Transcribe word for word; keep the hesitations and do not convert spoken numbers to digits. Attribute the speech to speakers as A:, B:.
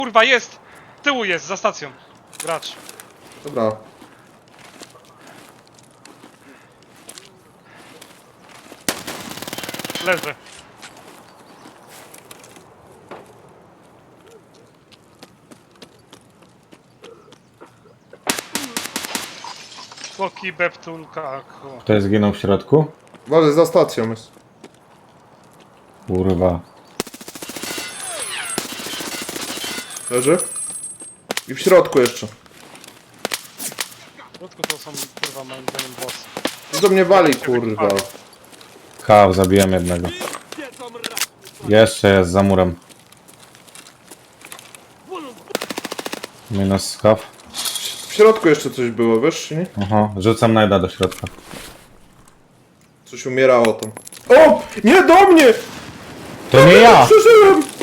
A: Kurwa, jest! Z tyłu jest, za stacją. Gracz.
B: Dobra.
A: Leży. Skoki, beptulka, ku.
C: Ktoś zginął w środku?
B: Uważaj, za stacją jest.
C: Kurwa.
B: Leży. I w środku jeszcze.
A: W środku to są, kurwa, moim zdaniem bossy.
B: Do mnie wali, kurwa.
C: Kaw, zabiłem jednego. Jeszcze jest za murem. Minus kaw.
B: W środku jeszcze coś było, wiesz, czy nie?
C: Aha, rzucam najda do środka.
B: Coś umierało tam. O! Nie do mnie!
C: To nie ja!
B: Przeżyłem!